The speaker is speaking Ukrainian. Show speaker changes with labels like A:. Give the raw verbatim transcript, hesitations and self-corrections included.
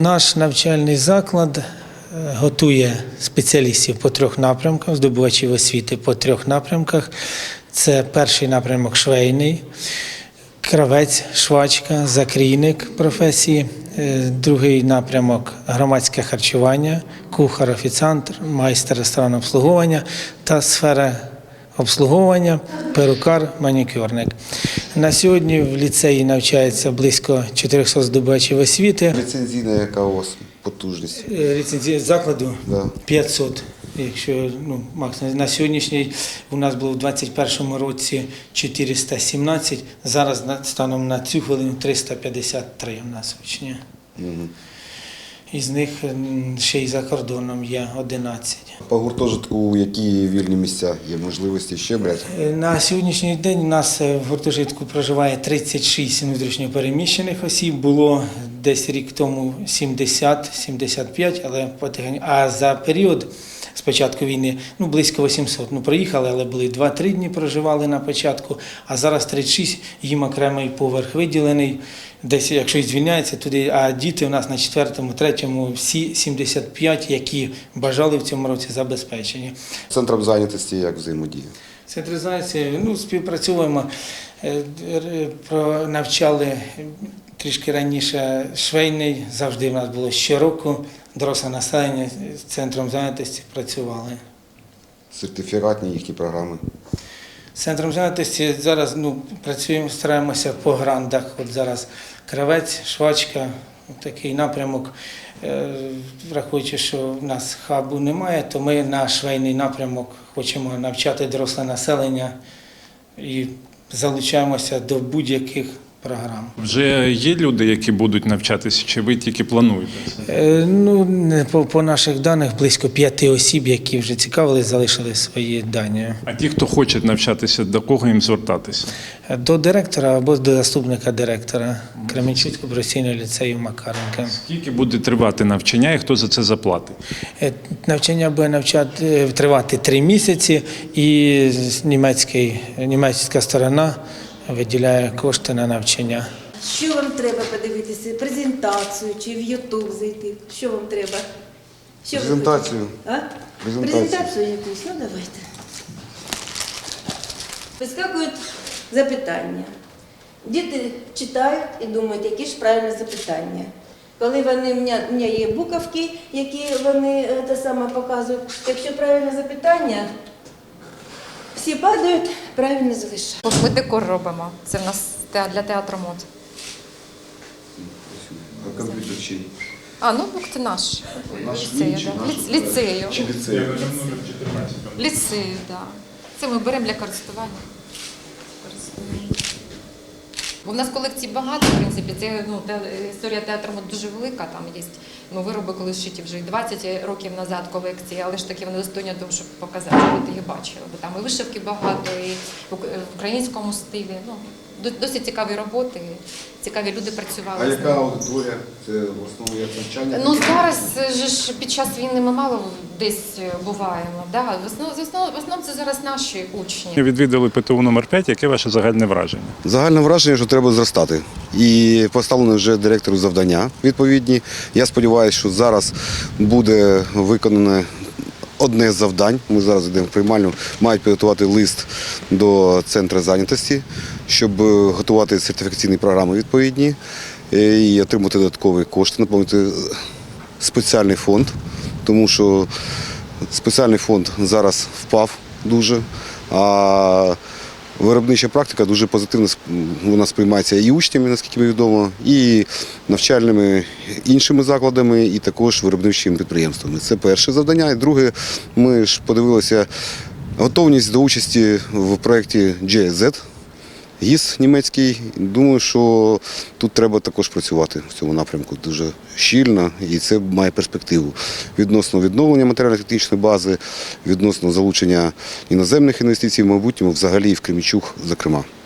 A: Наш навчальний заклад готує спеціалістів по трьох напрямках, здобувачів освіти по трьох напрямках. Це перший напрямок швейний, кравець, швачка, закрійник професії. Другий напрямок – громадське харчування, кухар, офіціант, майстер ресторанного обслуговування та сфера обслуговування, перукар, манікюрник. На сьогодні в ліцеї навчається близько чотирьохсот здобувачів освіти.
B: Ліцензійна яка у вас потужність?
A: Ліцензія закладу
B: Да.
A: п'ятсот. Якщо ну, максимум на сьогоднішній у нас було в двадцять першому році чотириста сімнадцять, зараз станом на цю хвилину триста п'ятдесят три у нас учні.
B: Угу.
A: Із них ще й за кордоном є одинадцять.
B: По гуртожитку які вільні місця є можливості ще брати?
A: На сьогоднішній день у нас в гуртожитку проживає тридцять шість внутрішньопереміщених осіб. Було десь рік тому сімдесят - сімдесят п'ять, але потихеньку. А за період з початку війни ну, близько вісімсот. Ну, проїхали, але були два-три дні проживали на початку, а зараз тридцять шість, їм окремий поверх виділений. Десь, якщо і звільняється туди, а діти у нас на четвертому, третьому, всі сімдесят п'ять, які бажали в цьому році, забезпечені.
B: Центром зайнятості як взаємодія?
A: Централізація, ну, співпрацюємо, навчали трішки раніше швейний, завжди в нас було щороку, доросле населення з центром зайнятості працювали.
B: Сертифікатні їхні програми?
A: З центром зайнятості зараз ну, працюємо, стараємося по грандах. От зараз кравець, швачка, такий напрямок. Враховуючи, що в нас хабу немає, то ми на швейний напрямок хочемо навчати доросле населення і залучаємося до будь-яких програм.
C: Вже є люди, які будуть навчатися, чи ви тільки плануєте?
A: Е, ну, по, по наших даних близько п'яти осіб, які вже цікавились, залишили свої дані.
C: А ті, хто хоче навчатися, до кого їм звертатися?
A: До директора або до заступника директора Кременчуцького професійного ліцею Макаренка.
C: Скільки буде тривати навчання і хто за це заплатить?
A: Е, навчання буде навчати, тривати три місяці і німецький, німецька сторона виділяє кошти на навчання.
D: Що вам треба подивитися? Презентацію чи в Ютуб зайти? Що вам треба? Що
B: Презентацію.
D: А?
B: Презентацію.
D: Презентацію якусь? Ну давайте. Вискакують запитання. Діти читають і думають, які ж правильні запитання. Коли вони, в мене є буковки, які вони те саме показують, якщо правильне запитання, всі падають, правильно залишають.
E: Ми декор робимо. Це в нас для театру мод.
B: А комп'ютер чий?
E: А, ноутбук це наш.
B: Наш
E: Ліцею,
B: чи
E: да.
B: наш?
E: Ліц- Ліцею.
B: Чи ліцею?
E: Ліцею, так. Це ми беремо для користування. Користуємо. Бо в нас колекцій багато, в принципі, це ну, те, історія театру мод дуже велика, там є ну, вироби, коли зшиті вже і двадцять років назад колекції, але ж таки вони достойні того, щоб показати, щоб ти їх бачили. Бо там і вишивки багато, і в українському стилі. Ну, досить цікаві роботи, цікаві люди працювали.
B: А яка аудиторія? Це в основному як навчання?
E: Ну зараз же ж під час війни ми мало десь буваємо. Да? В основному, в основному, в основному це зараз наші учні.
C: Відвідали ПТУ номер п'ять. Яке ваше загальне враження?
B: Загальне враження, що треба зростати. І поставлено вже директору завдання відповідні. Я сподіваюся, що зараз буде виконане одне з завдань. Ми зараз йдемо в приймальню, мають підготувати лист до центру зайнятості, щоб готувати сертифікаційні програми відповідні і отримати додаткові кошти, наповнити спеціальний фонд, тому що спеціальний фонд зараз впав дуже, а виробнича практика дуже позитивно вона сприймається і учнями, наскільки мені відомо, і навчальними іншими закладами, і також виробничими підприємствами. Це перше завдання. І друге, ми ж подивилися готовність до участі в проєкті джей ес зет, ГІС німецький. Думаю, що тут треба також працювати в цьому напрямку дуже щільно, і це має перспективу відносно відновлення матеріально-технічної бази, відносно залучення іноземних інвестицій в майбутньому, взагалі і в Кременчук, зокрема.